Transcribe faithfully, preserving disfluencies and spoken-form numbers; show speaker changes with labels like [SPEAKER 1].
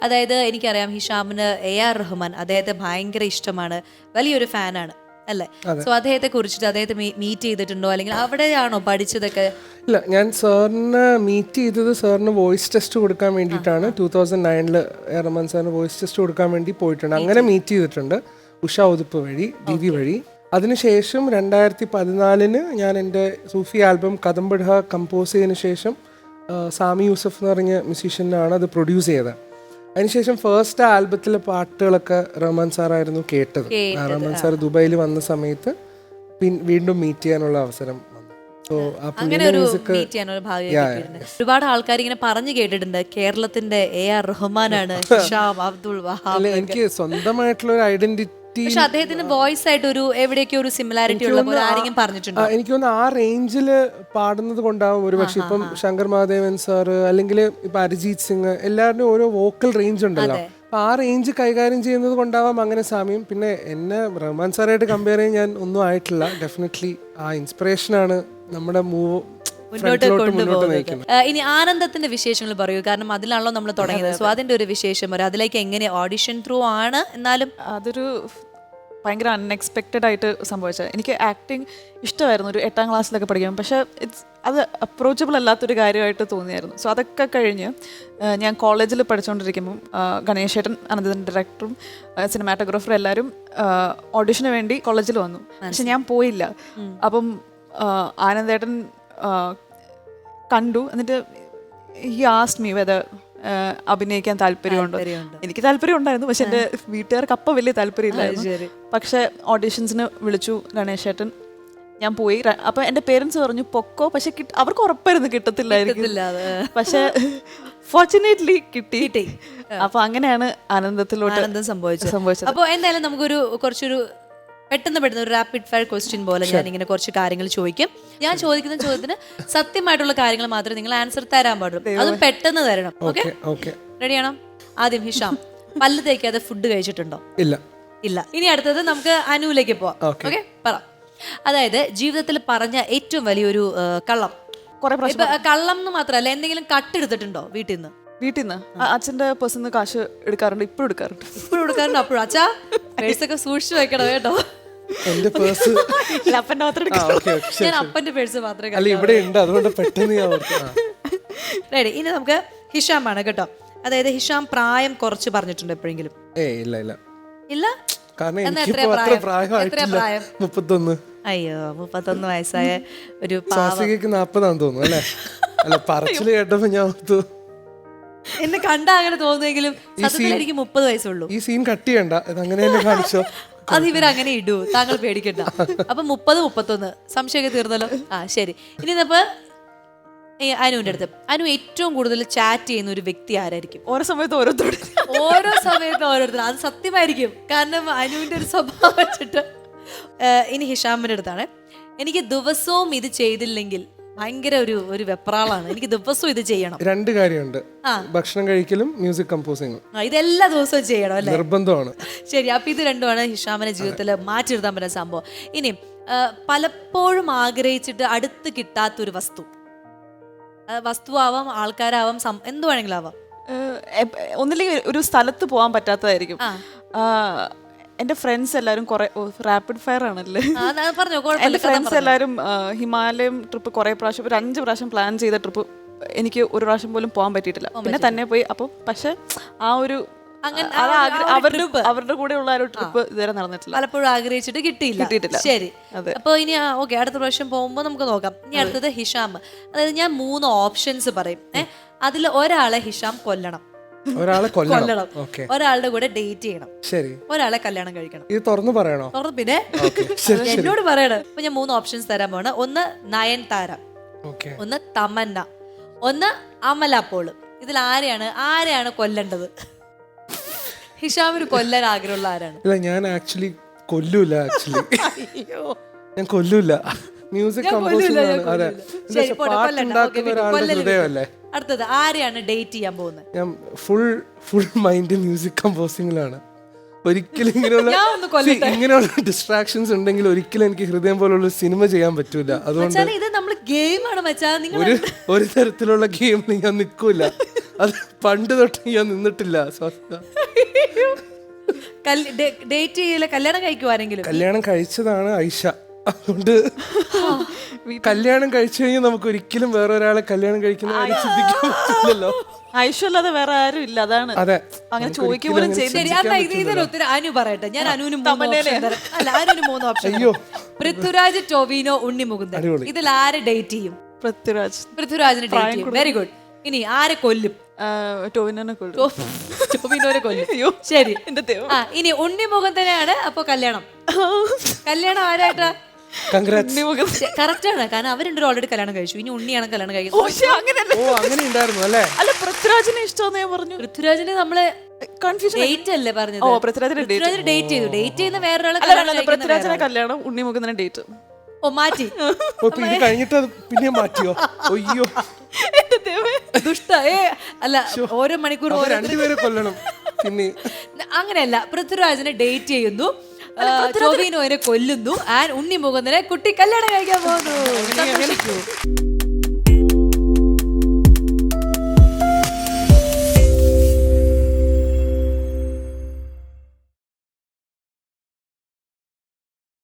[SPEAKER 1] അതായത് എനിക്കറിയാം ഹിഷാമിന് A R Rahman അദ്ദേഹത്തെ ഭയങ്കര ഇഷ്ടമാണ്, വലിയൊരു ഫാനാണ് അല്ലേ? സോ അദ്ദേഹത്തെ കുറിച്ചിട്ട് അദ്ദേഹത്തെ മീറ്റ് ചെയ്തിട്ടുണ്ടോ, അല്ലെങ്കിൽ അവിടെയാണോ പഠിച്ചതൊക്കെ?
[SPEAKER 2] ഇല്ല, ഞാൻ സാറിന് മീറ്റ് ചെയ്തത് സാറിന് വോയിസ് ടെസ്റ്റ് കൊടുക്കാൻ വേണ്ടിയിട്ടാണ്. ടൂ തൗസൻഡ് നയനില് റഹ്മാൻ സാറിന് വോയിസ് ടെസ്റ്റ് കൊടുക്കാൻ വേണ്ടി പോയിട്ടുണ്ട്. അങ്ങനെ മീറ്റ് ചെയ്തിട്ടുണ്ട് ഉഷ ഉതുപ്പ് വഴി, ദീദി വഴി. അതിനുശേഷം രണ്ടായിരത്തി പതിനാലിന് ഞാൻ എൻ്റെ സൂഫി ആൽബം കദംബഡ കമ്പോസ് ചെയ്തതിന് ശേഷം സാമി യൂസഫ് എന്ന് പറഞ്ഞ മ്യൂസീഷ്യനാണ് അത് പ്രൊഡ്യൂസ് ചെയ്തത്. അതിനുശേഷം ഫസ്റ്റ് ആൽബത്തിലെ പാട്ടുകളൊക്കെ റഹ്മാൻ സാറായിരുന്നു കേട്ടത്. റഹ്മാൻ സാർ ദുബായിൽ വന്ന സമയത്ത് വീണ്ടും മീറ്റ് ചെയ്യാനുള്ള അവസരം വന്നു.
[SPEAKER 1] ഒരുപാട് ആൾക്കാർ ഇങ്ങനെ പറഞ്ഞു കേട്ടിട്ടുണ്ട് കേരളത്തിന്റെ എ ആർ റഹ്മാനാണ് ഹിഷാം അബ്ദുൾ വഹാബ്.
[SPEAKER 2] എനിക്ക് സ്വന്തമായിട്ടുള്ള ഒരു ഐഡന്റിറ്റി,
[SPEAKER 1] പക്ഷെ അദ്ദേഹത്തിന്റെ വോയിസ് ആയിട്ട് ഒരു എവിടെയൊക്കെ ഒരു സിമിലാരിറ്റി ഉള്ള പോലെ ആരെങ്കിലും പറഞ്ഞിട്ടുണ്ടോ?
[SPEAKER 2] എനിക്ക് തോന്നുന്നു ആ റേഞ്ചില് പാടുന്നത് കൊണ്ടാവും ഒരു പക്ഷെ. ഇപ്പം ശങ്കർ മഹാദേവൻ സാറ് അല്ലെങ്കിൽ ഇപ്പൊ അരിജീത് സിംഗ്, എല്ലാവരുടെയും ഓരോ വോക്കൽ റേഞ്ച് ഉണ്ടല്ലോ. അപ്പൊ ആ റേഞ്ച് കൈകാര്യം ചെയ്യുന്നത് കൊണ്ടാവാം അങ്ങനെ സാമ്യം. പിന്നെ എന്നെ റഹ്മാൻ സാറായിട്ട് കമ്പയർ ചെയ്യാൻ ഞാൻ ഒന്നും ആയിട്ടില്ല. ഡെഫിനറ്റ്ലി ആ ഇൻസ്പിറേഷനാണ് നമ്മുടെ മൂവ്
[SPEAKER 1] മുന്നോട്ട് കൊണ്ടുപോകുന്നത്. ഇനി ആനന്ദത്തിന്റെ വിശേഷങ്ങൾ പറയൂ, കാരണം അതിലാണല്ലോ നമ്മൾ തുടങ്ങിയത്. സോ അതിന്റെ ഒരു വിശേഷം പറയും, അതിലേക്ക് എങ്ങനെ ഓഡിഷൻ ത്രൂ ആണ്, എന്നാലും
[SPEAKER 3] അതൊരു ഭയങ്കര അൺഎക്സ്പെക്റ്റഡ് ആയിട്ട് സംഭവിച്ചത്. എനിക്ക് ആക്ടിങ് ഇഷ്ടമായിരുന്നു ഒരു എട്ടാം ക്ലാസ്സിലൊക്കെ പഠിക്കാം, പക്ഷേ ഇറ്റ്സ് അത് അപ്രോച്ചബിൾ അല്ലാത്തൊരു കാര്യമായിട്ട് തോന്നിയായിരുന്നു. സോ അതൊക്കെ കഴിഞ്ഞ് ഞാൻ കോളേജിൽ പഠിച്ചുകൊണ്ടിരിക്കുമ്പം ഗണേശേട്ടൻ, അനന്തൻ ഡയറക്ടറും സിനിമാറ്റോഗ്രാഫറും എല്ലാവരും ഓഡിഷന് വേണ്ടി കോളേജിൽ വന്നു. പക്ഷെ ഞാൻ പോയില്ല. അപ്പം ആനന്ദേട്ടൻ കണ്ടു. എന്നിട്ട് ഹി ആസ്ക്ഡ് മീ വെദർ അഭിനയിക്കാൻ താല്പര്യമുണ്ടോ. എനിക്ക് താല്പര്യം ഉണ്ടായിരുന്നു, പക്ഷെ എൻ്റെ വീട്ടുകാർക്ക് അപ്പം വലിയ താല്പര്യമില്ലായിരുന്നു. പക്ഷെ ഓഡീഷൻസിന് വിളിച്ചു ഗണേശേട്ടൻ, ഞാൻ പോയി. അപ്പം എൻ്റെ പേരൻസ് പറഞ്ഞു പൊക്കോ, പക്ഷെ അവർക്ക് ഉറപ്പായിരുന്നു കിട്ടത്തില്ലായിരിക്കും. പക്ഷെ ഫോർച്ചുനേറ്റ്ലി കിട്ടി. അപ്പൊ അങ്ങനെയാണ് ആനന്ദത്തിലോട്ട് സംഭവിച്ചത് സംഭവിച്ചത്
[SPEAKER 1] അപ്പോൾ എന്തായാലും നമുക്കൊരു കുറച്ചൊരു പെട്ടെന്ന് പെട്ടെന്ന് ഒരു റാപ്പിഡ് ഫയർ ക്വസ്റ്റ്യൻ പോലെ ഞാൻ ഇങ്ങനെ കുറച്ച് കാര്യങ്ങൾ ചോദിക്കും. ഞാൻ ചോദിക്കുന്ന ചോദ്യത്തിന് സത്യമായിട്ടുള്ള കാര്യങ്ങൾ മാത്രമേ നിങ്ങൾ ആൻസർ തരാൻ പാടുള്ളൂ. അതും പെട്ടെന്ന് തരണം. ഓക്കെ, റെഡിയാണോ? ആദ്യം ഹിഷാം, പല്ല് തേക്കാതെ ഫുഡ് കഴിച്ചിട്ടുണ്ടോ?
[SPEAKER 2] ഇല്ല.
[SPEAKER 1] ഇല്ല. ഇനി അടുത്തത് നമുക്ക് അനുവിലേക്ക് പോവാം. ഓക്കെ, പറ. അതായത് ജീവിതത്തിൽ പറഞ്ഞ ഏറ്റവും വലിയൊരു കള്ളം.
[SPEAKER 3] കുറെ
[SPEAKER 1] കള്ളം എന്ന് മാത്രമല്ല, എന്തെങ്കിലും കട്ടെടുത്തിട്ടുണ്ടോ വീട്ടിൽ നിന്ന്?
[SPEAKER 3] വീട്ടിൽ നിന്ന് അച്ഛൻ്റെ പേഴ്സിൽ നിന്ന് കാശ് എടുക്കാറുണ്ട്. ഇപ്പോഴും എടുക്കാറുണ്ട്.
[SPEAKER 1] ഇപ്പോഴും എടുക്കാറുണ്ട്. അപ്പോഴും അച്ഛാ പേഴ്സൊക്കെ സൂക്ഷിച്ചു വെക്കണം കേട്ടോ.
[SPEAKER 2] എന്റെ പേഴ്സ്
[SPEAKER 3] അപ്പൻ്റെ മാത്രം
[SPEAKER 1] ഞാൻ അപ്പന്റെ പേഴ്സ് മാത്രമേ റെഡി. ഇനി നമുക്ക് ഹിഷാം ആണ് കേട്ടോ. അതായത് ഹിഷാം പ്രായം കുറച്ച് പറഞ്ഞിട്ടുണ്ട് എപ്പോഴെങ്കിലും?
[SPEAKER 2] ഇല്ല ഇല്ല
[SPEAKER 1] ഇല്ല.
[SPEAKER 2] മുപ്പത്തൊന്ന്.
[SPEAKER 1] അയ്യോ, മുപ്പത്തൊന്ന് വയസ്സായ ഒരു
[SPEAKER 2] നാപ്പതാന്ന് തോന്നുന്നു അല്ലേ? അല്ല, പറച്ചില് കേട്ടപ്പോ ഞാൻ
[SPEAKER 1] എന്നെ കണ്ടാ അങ്ങനെ തോന്നുമെങ്കിലും സത്യത്തിൽ എനിക്ക് മുപ്പത് വയസ്സുള്ളൂ.
[SPEAKER 2] ഈ സീൻ കട്ട് ചെയ്യണ്ട, അങ്ങനെ കാണിച്ചോ.
[SPEAKER 1] അത് ഇവരങ്ങനെ ഇടൂ, താങ്കൾ പേടിക്കണ്ട. അപ്പൊ മുപ്പത് മുപ്പത്തൊന്ന് സംശയമൊക്കെ തീർന്നല്ലോ. ആ ശരി. ഇനി ഇപ്പൊ അനുവിന്റെ അടുത്ത്, അനു ഏറ്റവും കൂടുതൽ ചാറ്റ് ചെയ്യുന്ന ഒരു വ്യക്തി ആരായിരിക്കും?
[SPEAKER 3] ഓരോ സമയത്ത് ഓരോരുത്തർ
[SPEAKER 1] ഓരോ സമയത്ത് ഓരോരുത്തർ. അത് സത്യമായിരിക്കും, കാരണം അനുവിന്റെ ഒരു സ്വഭാവം വെച്ചിട്ട്. ഇനി ഹിഷാമിന്റെ അടുത്താണ്. എനിക്ക് ദിവസവും ഇത് ചെയ്തില്ലെങ്കിൽ ഭയങ്കര ഒരു ഒരു വെപ്രാളാണ്, എനിക്ക് ദിവസവും ഇത് ചെയ്യണം.
[SPEAKER 2] രണ്ട് കാര്യമുണ്ട്, ഭക്ഷണം കഴിക്കലും മ്യൂസിക് കമ്പോസിംഗും.
[SPEAKER 1] ഇതെല്ലാ ദിവസവും ചെയ്യണം അല്ലേ?
[SPEAKER 2] നിർബന്ധമാണ്.
[SPEAKER 1] ശരി, അപ്പൊ ഇത് രണ്ടുമാണ് ഹിഷാമിന്റെ ജീവിതത്തിൽ മാറ്റി എഴുതാൻ പറ്റുന്ന സംഭവം. ഇനി പലപ്പോഴും ആഗ്രഹിച്ചിട്ട് അടുത്ത് കിട്ടാത്തൊരു വസ്തു. വസ്തുവാവാം, ആൾക്കാരാവാം, എന്ത് വേണമെങ്കിലും ആവാം.
[SPEAKER 3] ഒന്നില്ലെങ്കിൽ ഒരു സ്ഥലത്ത് പോകാൻ പറ്റാത്തതായിരിക്കും. എൻ്റെ ഫ്രണ്ട്സ് എല്ലാവരും കുറെ റാപ്പിഡ് ഫയർ ആണല്ലേ. എൻ്റെ ഫ്രണ്ട്സ് എല്ലാവരും ഹിമാലയം ട്രിപ്പ് കുറെ പ്രാവശ്യം, ഒരു അഞ്ച് പ്രാവശ്യം പ്ലാൻ ചെയ്ത ട്രിപ്പ് എനിക്ക് ഒരു പ്രാവശ്യം പോലും പോകാൻ പറ്റിയിട്ടില്ല. പിന്നെ തന്നെ പോയി. അപ്പോൾ പക്ഷെ ആ ഒരു അവരുടെ അവരുടെ കൂടെ ഉള്ള ഒരു ട്രിപ്പ് ഇതുവരെ നടന്നിട്ടില്ല.
[SPEAKER 1] പലപ്പോഴും ആഗ്രഹിച്ചിട്ട് കിട്ടിയില്ല. കിട്ടിയിട്ടില്ല. ശരി, അപ്പൊ ഇനി ഓക്കെ, അടുത്ത പ്രാവശ്യം പോകുമ്പോൾ നമുക്ക് നോക്കാം. ഇനി അടുത്തത് ഹിഷാം. അതായത് ഞാൻ മൂന്ന് ഓപ്ഷൻസ് പറയും. ഏഹ് അതിൽ ഒരാളെ ഹിഷാം കൊല്ലണം,
[SPEAKER 2] ഒരാളെ കൊല്ലണം,
[SPEAKER 1] ഒരാളുടെ കൂടെ ഡേറ്റ് ചെയ്യണം,
[SPEAKER 2] ശരി,
[SPEAKER 1] ഒരാളെ കല്യാണം കഴിക്കണം.
[SPEAKER 2] ഇത് തുറന്നു പറയണോ?
[SPEAKER 1] തുറന്നു. പിന്നെ എന്നോട് പറയണം. അപ്പൊ ഞാൻ മൂന്ന് ഓപ്ഷൻസ് തരാൻ പോണ്. ഒന്ന് നയൻതാര, ഒന്ന് തമന്ന, ഒന്ന് അമല പോള്. ഇതിൽ ആരെയാണ് ആരെയാണ് കൊല്ലേണ്ടത്? ഹിഷാമിന് കൊല്ലാൻ ആഗ്രഹമുള്ള ആരാണ്?
[SPEAKER 2] ഇല്ല, ഞാൻ ആക്ച്വലി കൊല്ലൂല. ആക്ച്വലി ഞാൻ കൊല്ലൂല. മ്യൂസിക് കമ്പോസിംഗ് ആണ്.
[SPEAKER 1] അടുത്തത് ആരെയാണ് ഡേറ്റ് ചെയ്യാൻ പോകുന്നത്?
[SPEAKER 2] ഞാൻ ഫുൾ ഫുൾ മൈൻഡ് മ്യൂസിക് കമ്പോസിംഗിലാണ്. ഒരിക്കലും ഇങ്ങനെയുള്ള
[SPEAKER 1] ഞാൻ ഒന്ന് കൊല്ലട്ടെ.
[SPEAKER 2] See, ഇങ്ങനെയുള്ള ഡിസ്ട്രാക്ഷൻസ് ഉണ്ടെങ്കിൽ ഒരിക്കലും എനിക്ക് ഹൃദയം പോലുള്ള സിനിമ ചെയ്യാൻ പറ്റൂല. അതുകൊണ്ട്
[SPEAKER 1] മച്ചാനെ ഇത് നമ്മള് ഗെയിമാണ് മച്ചാ. നിങ്ങൾ
[SPEAKER 2] ഒരു ഒരു തരത്തിലുള്ള ഗെയിമിൽ ഞാൻ നിൽക്കൂല. അത് പണ്ട് തൊട്ട് ഞാൻ നിന്നിട്ടില്ല. സ്വസ്ഥ
[SPEAKER 1] ഡേറ്റ് ചെയ്യില്ല, കല്യാണം കഴിക്കുവാരെങ്കിലും.
[SPEAKER 2] കല്യാണം കഴിച്ചതാണ് ഐഷ. അതുകൊണ്ട് കല്യാണം കഴിച്ചു കഴിഞ്ഞാൽ നമുക്ക് ഒരിക്കലും വേറെ ഒരാളെ കല്യാണം കഴിക്കുന്ന കാര്യം ചിന്തിക്കാൻ പറ്റില്ലല്ലോ.
[SPEAKER 3] ഐശ്വല്ലാതെ വേറെ ആരും ഇല്ല, അതാണ്.
[SPEAKER 2] അതെ,
[SPEAKER 3] അങ്ങനെ ചോദിക്കുക പോലും ചെയ്ത്
[SPEAKER 1] ശരി, എന്നാ ഇത് ഇതിന് ഉത്തരം അനു പറയട്ടെ. ഞാൻ അനുവിന് മൂന്ന് option തരാം. അല്ല, അനുവിന് മൂന്ന് ഓപ്ഷൻ. പൃഥ്വിരാജ്, ടൊവിനോ, ഉണ്ണി മുകുന്ദൻ.
[SPEAKER 2] അടിപൊളി.
[SPEAKER 1] ഇതിൽ ആരെ ഡേറ്റ് ചെയ്യും?
[SPEAKER 3] പൃഥ്വിരാജ്.
[SPEAKER 1] പൃഥ്വിരാജിനെ ഡേറ്റ് ചെയ്യും. Very good. ഇനി ആരെ കൊല്ലും?
[SPEAKER 3] ടോവിനോനെ കൊള്ളു.
[SPEAKER 1] ടൊവിനോനെ കൊല്ലും. ശരി.
[SPEAKER 3] എന്റെ ദൈവം.
[SPEAKER 1] ആ, ഇനി ഉണ്ണി മുകുന്ദനെയാണ് അപ്പൊ കല്യാണം. കല്യാണം ആരായിട്ടാ? കറക്റ്റ് ആണ്, കാരണം അവർ രണ്ടുപേരും ഓൾറെഡി കല്യാണം കഴിച്ചു. ഇനി ഉണ്ണിയാണ് കല്യാണം കഴിക്കുന്നത്.
[SPEAKER 2] ഓ, അങ്ങനെ ഉണ്ടായിരുന്നു അല്ലേ?
[SPEAKER 3] അല്ല, പൃഥ്വിരാജിനെ ഇഷ്ടമെന്ന് ഞാൻ പറഞ്ഞു.
[SPEAKER 1] പൃഥ്വിരാജിന് നമ്മള്
[SPEAKER 3] കൺഫ്യൂഷൻ.
[SPEAKER 1] ഡേറ്റ് അല്ലേ പറഞ്ഞത്?
[SPEAKER 3] ഓ, പൃഥ്വിരാജിനെ
[SPEAKER 1] ഡേറ്റ് ചെയ്തു. ഡേറ്റ് ചെയ്യുന്ന വേറൊരാളെ
[SPEAKER 3] പൃഥ്വിരാജിനെ കല്യാണം, ഉണ്ണി മുകുന്ദനെ ഡേറ്റ്.
[SPEAKER 1] ഓ, മാറ്റി.
[SPEAKER 2] ഓ, ഇപ്പൊ ഇത് കഴിഞ്ഞിട്ട് അത് പിന്നെ മാറ്റിയോ? അയ്യോ,
[SPEAKER 1] ദുഷ്ട. ഏ അല്ല, ഓരോ മണിക്കൂർ ഓരോ
[SPEAKER 2] രണ്ടുപേരെ കൊല്ലണം. പിന്നെ
[SPEAKER 1] അങ്ങനെയല്ല, പൃഥ്വിരാജിനെ ഡേറ്റ് ചെയ്യുന്നു, ടൊവിനോനെ കൊല്ലുന്നു, ആൻഡ് ഉണ്ണി മുകുന്ദനെ കുട്ടി കല്യാണം കഴിക്കാൻ പോകുന്നു.